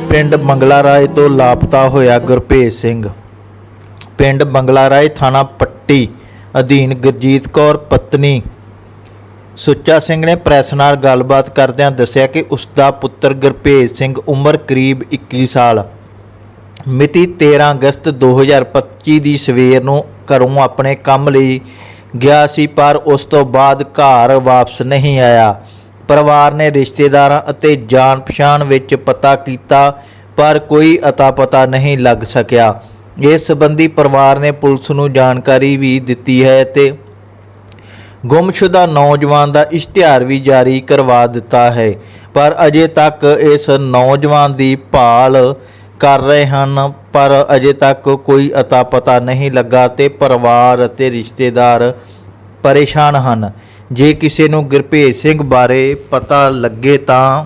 ਪਿੰਡ ਬੰਗਲਾ ਰਾਏ ਤੋਂ ਲਾਪਤਾ ਹੋਇਆ ਗੁਰਭੇਜ ਸਿੰਘ। ਪਿੰਡ ਬੰਗਲਾ ਰਾਏ ਥਾਣਾ ਪੱਟੀ ਅਧੀਨ ਗੁਰਜੀਤ ਕੌਰ ਪਤਨੀ ਸੁੱਚਾ ਸਿੰਘ ਨੇ ਪ੍ਰੈਸ ਨਾਲ ਗੱਲਬਾਤ ਕਰਦਿਆਂ ਦੱਸਿਆ ਕਿ ਉਸ ਦਾ ਪੁੱਤਰ ਗੁਰਭੇਜ ਸਿੰਘ ਉਮਰ ਕਰੀਬ 21 ਸਾਲ ਮਿਤੀ 13 ਅਗਸਤ 2025 ਦੀ ਸਵੇਰ ਨੂੰ ਘਰੋਂ ਆਪਣੇ ਕੰਮ ਲਈ ਗਿਆ ਸੀ, ਪਰ ਉਸ ਤੋਂ ਬਾਅਦ ਘਰ ਵਾਪਸ ਨਹੀਂ ਆਇਆ। ਪਰਿਵਾਰ ਨੇ ਰਿਸ਼ਤੇਦਾਰਾਂ ਅਤੇ ਜਾਣ ਪਛਾਣ ਵਿੱਚ ਪਤਾ ਕੀਤਾ, ਪਰ ਕੋਈ ਅਤਾ ਪਤਾ ਨਹੀਂ ਲੱਗ ਸਕਿਆ। ਇਸ ਸੰਬੰਧੀ ਪਰਿਵਾਰ ਨੇ ਪੁਲਿਸ ਨੂੰ ਜਾਣਕਾਰੀ ਵੀ ਦਿੱਤੀ ਹੈ ਤੇ ਗੁੰਮਸ਼ੁਦਾ ਨੌਜਵਾਨ ਦਾ ਇਸ਼ਤਿਹਾਰ ਵੀ ਜਾਰੀ ਕਰਵਾ ਦਿੱਤਾ ਹੈ, ਪਰ ਅਜੇ ਤੱਕ ਇਸ ਨੌਜਵਾਨ ਦੀ ਭਾਲ ਕਰ ਰਹੇ ਹਨ, ਪਰ ਅਜੇ ਤੱਕ ਕੋਈ ਅਤਾ ਪਤਾ ਨਹੀਂ ਲੱਗਾ ਤੇ ਪਰਿਵਾਰ ਅਤੇ ਰਿਸ਼ਤੇਦਾਰ ਪਰੇਸ਼ਾਨ ਹਨ। ਜੇ ਕਿਸੇ ਨੂੰ ਗੁਰਭੇਜ ਸਿੰਘ ਬਾਰੇ ਪਤਾ ਲੱਗੇ ਤਾਂ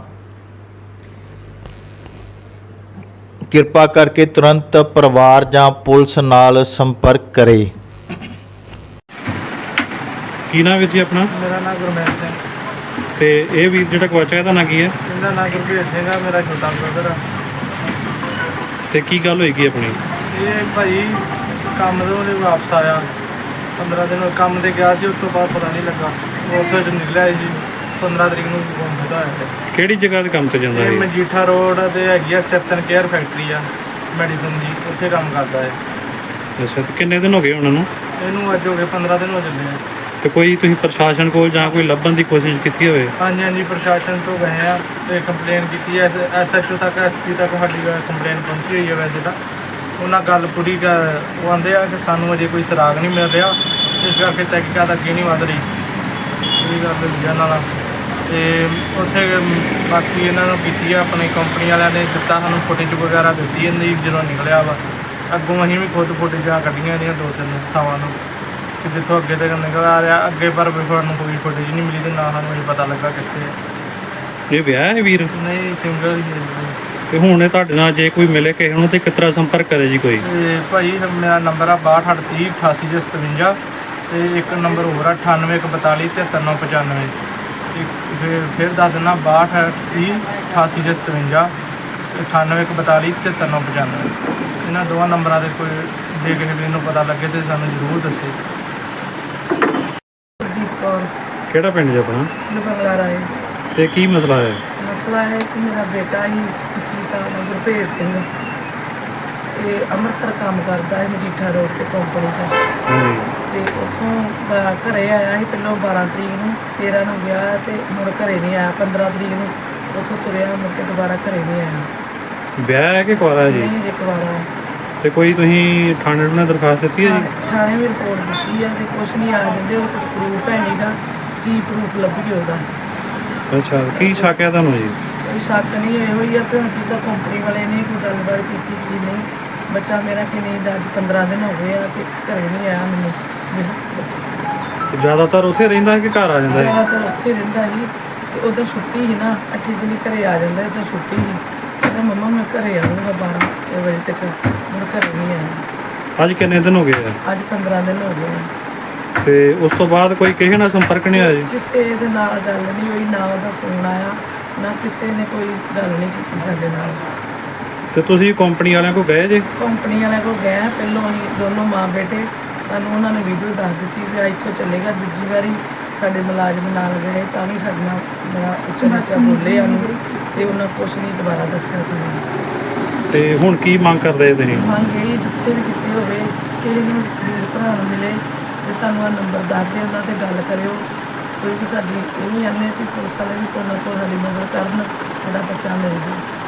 ਕਿਰਪਾ ਕਰਕੇ ਤੁਰੰਤ ਪਰਿਵਾਰ ਜਾਂ ਪੁਲਿਸ ਨਾਲ ਸੰਪਰਕ ਕਰੇ। ਕੀ ਨਾਮ ਵੀਰ ਜੀ ਆਪਣਾ? ਮੇਰਾ ਨਾਮ ਗੁਰਮੇਲ ਸਿੰਘ। ਤੇ ਇਹ ਵੀਰ ਜਿਹੜਾ ਗਵਾਚਿਆ ਇਹਦਾ ਨਾਂ ਕੀ ਹੈ? ਇਹਦਾ ਨਾਮ ਗੁਰਭੇਜ ਸਿੰਘ ਆ, ਮੇਰਾ ਛੋਟਾ ਬ੍ਰਦਰ ਆ। ਤੇ ਕੀ ਗੱਲ ਹੋਏਗੀ ਆਪਣੀ? ਇਹ ਭਾਈ ਕੰਮ ਤੋਂ ਉਹਨੇ ਵਾਪਸ ਆਇਆ, 15 ਦਿਨ ਕੰਮ ਤੇ ਗਿਆ ਸੀ, ਉਸ ਤੋਂ ਬਾਅਦ ਪਤਾ ਨਹੀਂ ਲੱਗਾ। ਉਹ ਉੱਥੇ ਚ ਨਿਕਲਿਆ ਸੀ 15 ਤਰੀਕ ਨੂੰ ਗੁੰਮ ਹੋਇਆ। ਕਿਹੜੀ ਜਗ੍ਹਾ ਤੇ ਕੰਮ ਤੇ ਜਾਂਦਾ ਇਹ ਹੈ? ਮਜੀਠਾ ਰੋਡ ਤੇ ਹੈਗੀ ਆ ਸੈਪਟਨ ਕੇਅਰ ਫੈਕਟਰੀ ਆ, ਮੈਡੀਸਨ ਦੀ, ਉੱਥੇ ਕੰਮ ਕਰਦਾ ਹੈ। ਅੱਛਾ, ਤੇ ਕਿੰਨੇ ਦਿਨ ਹੋ ਗਏ ਉਹਨਾਂ ਨੂੰ? ਇਹਨੂੰ ਅੱਜ ਹੋ ਗਏ 15 ਦਿਨ ਹੋ ਚੱਲੇ ਆ। ਤੇ ਕੋਈ ਤੁਸੀਂ ਪ੍ਰਸ਼ਾਸਨ ਕੋਲ ਜਾਂ ਕੋਈ ਲੱਭਣ ਦੀ ਕੋਸ਼ਿਸ਼ ਕੀਤੀ ਹੋਵੇ? ਹਾਂਜੀ, ਪ੍ਰਸ਼ਾਸਨ ਤੋਂ ਗਏ ਆ ਤੇ ਕੰਪਲੇਨ ਕੀਤੀ ਹੈ, SHO ਤੱਕ, SP ਤੱਕ ਸਾਡੀ ਕੰਪਲੇਨ ਪਹੁੰਚੀ ਹੋਈ ਹੈ। ਵੈਸੇ ਤਾਂ ਉਹਨਾਂ ਗੱਲ ਪੂਰੀ ਉਹ ਆਉਂਦੇ ਆ ਕਿ ਸਾਨੂੰ ਅਜੇ ਕੋਈ ਸੁਰਾਗ ਨਹੀਂ ਮਿਲ ਰਿਹਾ, ਇਸ ਕਰਕੇ ਤਹਿਕੀਕਾਤ ਅੱਗੇ ਨਹੀਂ ਵੱਧ ਰਹੀ। ਇਹ ਗੱਲ ਦੂਜਾ ਨਾਲ ਅਤੇ ਉੱਥੇ ਬਾਕੀ ਇਹਨਾਂ ਨੂੰ ਕੀਤੀ ਆ, ਆਪਣੀ ਕੰਪਨੀ ਵਾਲਿਆਂ ਨੇ ਦਿੱਤਾ ਸਾਨੂੰ ਫੁਟੇਜ ਵਗੈਰਾ ਦਿੱਤੀ ਇਹਦੀ ਜਦੋਂ ਨਿਕਲਿਆ ਵਾ। ਅੱਗੋਂ ਅਸੀਂ ਵੀ ਖੁਦ ਫੁਟੇਜਾਂ ਕੱਢੀਆਂ ਇਹਦੀਆਂ 2-3 ਥਾਵਾਂ ਨੂੰ ਕਿ ਜਿੱਥੋਂ ਅੱਗੇ ਤੱਕ ਨਿਕਲ ਆ ਰਿਹਾ, ਅੱਗੇ ਪਰ ਸਾਨੂੰ ਕੋਈ ਫੁਟੇਜ ਨਹੀਂ ਮਿਲੀ ਅਤੇ ਨਾ ਸਾਨੂੰ ਇਹ ਪਤਾ ਲੱਗਾ ਕਿੱਥੇ ਹੈ। ਇਹ ਵਿਆਹ ਹੈ ਵੀਰ? ਨਹੀਂ, ਸਿੰਗਲ ਹੀ ਹੈ। ਤੇ ਹੁਣ ਇਹ ਤੁਹਾਡੇ ਨਾਲ ਜੇ ਕੋਈ ਮਿਲੇ ਕਿਸੇ ਨੂੰ ਤੇ ਕਿਸ ਤਰ੍ਹਾਂ ਸੰਪਰਕ ਕਰੇ ਜੀ ਕੋਈ? ਅਤੇ ਭਾਈ ਮੇਰਾ ਨੰਬਰ ਆ 6238 8857 ਅਤੇ ਇੱਕ ਨੰਬਰ ਹੋਰ ਆ 9842 73995। ਫਿਰ ਦੱਸ ਦਿੰਦਾ 6238 8857 9842 73995। ਇਹਨਾਂ ਦੋਵਾਂ ਨੰਬਰਾਂ 'ਤੇ ਕੋਈ ਜੇ ਕਿਸੇ ਵੀ ਨੂੰ ਪਤਾ ਲੱਗੇ ਤਾਂ ਸਾਨੂੰ ਜ਼ਰੂਰ ਦੱਸੇ। ਗੁਰਜੀਤ ਕੌਰ। ਕਿਹੜਾ ਪਿੰਡ ਜੀ ਆਪਣਾ? ਬੰਗਲਾ ਰਾਏ। ਤੇ ਕੀ ਮਸਲਾ ਹੈ? ਮਸਲਾ ਹੈ ਕਿ ਮੇਰਾ ਬੇਟਾ ਹੀ 21 ਸਾਲ ਦਾ ਗੁਰਭੇਜ ਸਿੰਘ ਅਤੇ ਅੰਮ੍ਰਿਤਸਰ ਕੰਮ ਕਰਦਾ ਹੈ, ਮਜੀਠਾ ਰੋਡ 'ਤੇ ਕੰਪਨੀ 'ਚ। ਅਤੇ ਉੱਥੋਂ ਘਰੇ ਆਇਆ ਸੀ ਪਹਿਲਾਂ 12 ਤਰੀਕ ਨੂੰ, 13 ਨੂੰ ਗਿਆ ਅਤੇ ਮੁੜ ਘਰੇ ਨਹੀਂ ਆਇਆ। 15 ਤਰੀਕ ਨੂੰ ਉੱਥੋਂ ਤੁਰਿਆ, ਮੁੜ ਕੇ ਦੁਬਾਰਾ ਘਰੇ ਨਹੀਂ ਆਇਆ। ਵਿਆਹ ਹੈ ਕਿ ਕੁਆਰਾ ਜੀ? ਨਹੀਂ, ਇੱਕ ਵਾਰ ਆਇਆ। ਤੇ ਕੋਈ ਤੁਸੀਂ ਥਾਣੇ ਨੂੰ ਦਰਖਾਸਤ ਦਿੱਤੀ ਹੈ ਜੀ? ਥਾਣੇ ਵੀ ਰਿਪੋਰਟ ਦਿੱਤੀ ਹੈ ਅਤੇ ਕੁਛ ਨਹੀਂ ਆ ਜਾਂਦੇ, ਉਹ ਕੋਈ ਪ੍ਰੂਫ ਹੈ ਨਹੀਂ ਗਾ। ਕੀ ਪ੍ਰੂਫ ਲੱਭੀਏ ਉਹਦਾ? ਅੱਛਾ, ਕੀ ਸ਼ੱਕ ਹੈ ਤੁਹਾਨੂੰ ਜੀ? ਕੋਈ ਸ਼ੱਕ ਨਹੀਂ, ਇਹੋ ਹੀ ਆ ਵੀ ਹੁਣ ਕਿੱਦਾਂ ਕੰਪਨੀ ਵਾਲੇ ਨੇ ਕੋਈ ਗੱਲਬਾਤ ਕੀਤੀ ਕੀ ਨਹੀਂ। ਬੱਚਾ ਮੇਰਾ ਕਿ ਨਹੀਂ ਅੱਜ 15 ਦਿਨ ਹੋ ਗਏ ਆ ਅਤੇ ਘਰੇ ਨਹੀਂ ਆਇਆ ਮੈਨੂੰ ਮਿਲਣ ਬੱਚਾ। ਜ਼ਿਆਦਾਤਰ ਉੱਥੇ ਰਹਿੰਦਾ ਹੈ ਕਿ ਘਰ ਆ ਜਾਂਦਾ ਹੈ? ਜ਼ਿਆਦਾਤਰ ਉੱਥੇ ਰਹਿੰਦਾ ਸੀ ਅਤੇ ਉੱਧਰ ਛੁੱਟੀ ਸੀ ਨਾ, 8 ਦਿਨ ਘਰੇ ਆ ਜਾਂਦਾ, ਇੱਧਰ ਛੁੱਟੀ ਸੀ। ਕਹਿੰਦਾ ਮੰਮਾ ਮੈਂ ਘਰੇ ਆਊਂਗਾ 12 ਵਜੇ ਤੱਕ, ਹੁਣ ਘਰੇ ਨਹੀਂ ਆਇਆ। ਅੱਜ ਕਿੰਨੇ ਦਿਨ ਹੋ ਗਏ ਆ? ਅੱਜ 15 ਦਿਨ ਹੋ ਗਏ ਆ। ਤੇ ਉਸ ਤੋਂ ਬਾਅਦ ਕੋਈ ਕਿਸੇ ਨਾਲ ਸੰਪਰਕ ਨਹੀਂ ਹੋਇਆ ਜੀ? ਕਿਸੇ ਦੇ ਨਾਲ ਗੱਲ ਨਹੀਂ ਹੋਈ, ਨਾ ਉਹਦਾ ਫੋਨ ਆਇਆ, ਨਾ ਕਿਸੇ ਨੇ ਕੋਈ ਗੱਲ ਨਹੀਂ ਕੀਤੀ ਸਾਡੇ ਨਾਲ। ਤੇ ਤੁਸੀਂ ਕੰਪਨੀ ਵਾਲਿਆਂ ਕੋਲ ਗਏ ਜੇ? ਕੰਪਨੀ ਵਾਲਿਆਂ ਕੋਲ ਗਏ ਪਹਿਲੋਂ, ਅਸੀਂ ਦੋਨੋਂ ਮਾਂ ਬੇਟੇ, ਸਾਨੂੰ ਉਹਨਾਂ ਨੇ ਵੀਡੀਓ ਦੱਸ ਦਿੱਤੀ ਵੀ ਇੱਥੋਂ ਚੱਲੇਗਾ। ਦੂਜੀ ਵਾਰੀ ਸਾਡੇ ਮੁਲਾਜ਼ਮ ਨਾਲ ਗਏ ਤਾਂ ਵੀ ਸਾਡੇ ਨਾਲ ਬੜਾ ਉੱਚਾ ਨੀਚਾ ਬੋਲੇ ਸਾਨੂੰ, ਅਤੇ ਉਹਨਾਂ ਕੁਛ ਨਹੀਂ ਦੁਬਾਰਾ ਦੱਸਿਆ ਸਾਨੂੰ। ਤੇ ਹੁਣ ਕੀ ਮੰਗ ਕਰਦੇ ਤੁਸੀਂ? ਮੰਗ ਇਹ ਜਿੱਥੇ ਵੀ ਕਿਤੇ ਹੋਵੇ ਕਿਸੇ ਨੂੰ ਵੀਰ ਭਰਾ ਨੂੰ ਮਿਲੇ ਅਤੇ ਸਾਨੂੰ ਆਹ ਨੰਬਰ ਦੱਸ ਦੇ, ਉਹਨਾਂ 'ਤੇ ਗੱਲ ਕਰਿਓ। ਕੋਈ ਵੀ ਸਾਡੀ ਇਹ ਨਹੀਂ ਆਨੇ ਵੀ ਪੁਲਿਸ ਵਾਲੇ ਵੀ ਕੋਈ ਨਾ ਕੋਈ ਸਾਡੀ ਮਦਦ ਕਰਨ, ਸਾਡਾ ਬੱਚਾ ਮਿਲ ਜਾਵੇ।